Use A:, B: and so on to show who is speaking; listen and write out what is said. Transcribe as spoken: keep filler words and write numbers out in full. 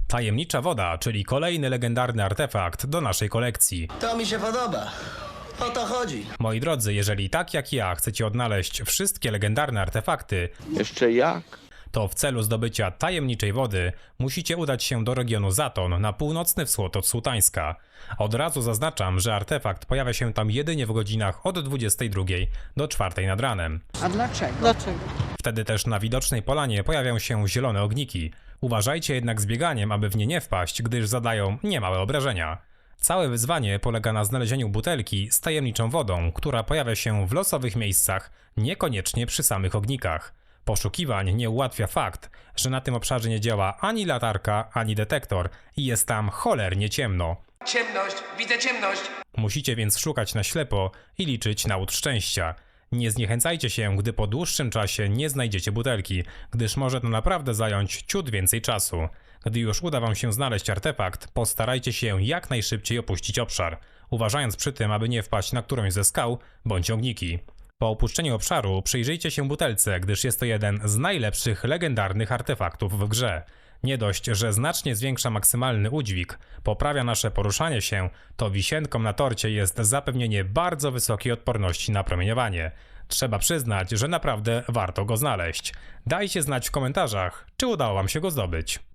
A: Tajemnicza woda, czyli kolejny legendarny artefakt do naszej kolekcji.
B: To mi się podoba. O to chodzi.
A: Moi drodzy, jeżeli tak jak ja chcecie odnaleźć wszystkie legendarne artefakty,
C: Jeszcze jak?
A: to w celu zdobycia tajemniczej wody musicie udać się do regionu Zaton na północny wschód od Sułtańska. Od razu zaznaczam, że artefakt pojawia się tam jedynie w godzinach od dwudziestej drugiej do czwartej nad ranem.
D: A dlaczego?
E: Dlaczego?
A: Wtedy też na widocznej polanie pojawią się zielone ogniki. Uważajcie jednak z bieganiem, aby w nie nie wpaść, gdyż zadają niemałe obrażenia. Całe wyzwanie polega na znalezieniu butelki z tajemniczą wodą, która pojawia się w losowych miejscach, niekoniecznie przy samych ognikach. Poszukiwań nie ułatwia fakt, że na tym obszarze nie działa ani latarka, ani detektor i jest tam cholernie ciemno.
F: Ciemność, widzę ciemność.
A: Musicie więc szukać na ślepo i liczyć na łód szczęścia. Nie zniechęcajcie się, gdy po dłuższym czasie nie znajdziecie butelki, gdyż może to naprawdę zająć ciut więcej czasu. Gdy już uda wam się znaleźć artefakt, postarajcie się jak najszybciej opuścić obszar, uważając przy tym, aby nie wpaść na którąś ze skał bądź ogniki. Po opuszczeniu obszaru przyjrzyjcie się butelce, gdyż jest to jeden z najlepszych legendarnych artefaktów w grze. Nie dość, że znacznie zwiększa maksymalny udźwig, poprawia nasze poruszanie się, to wisienką na torcie jest zapewnienie bardzo wysokiej odporności na promieniowanie. Trzeba przyznać, że naprawdę warto go znaleźć. Dajcie znać w komentarzach, czy udało wam się go zdobyć.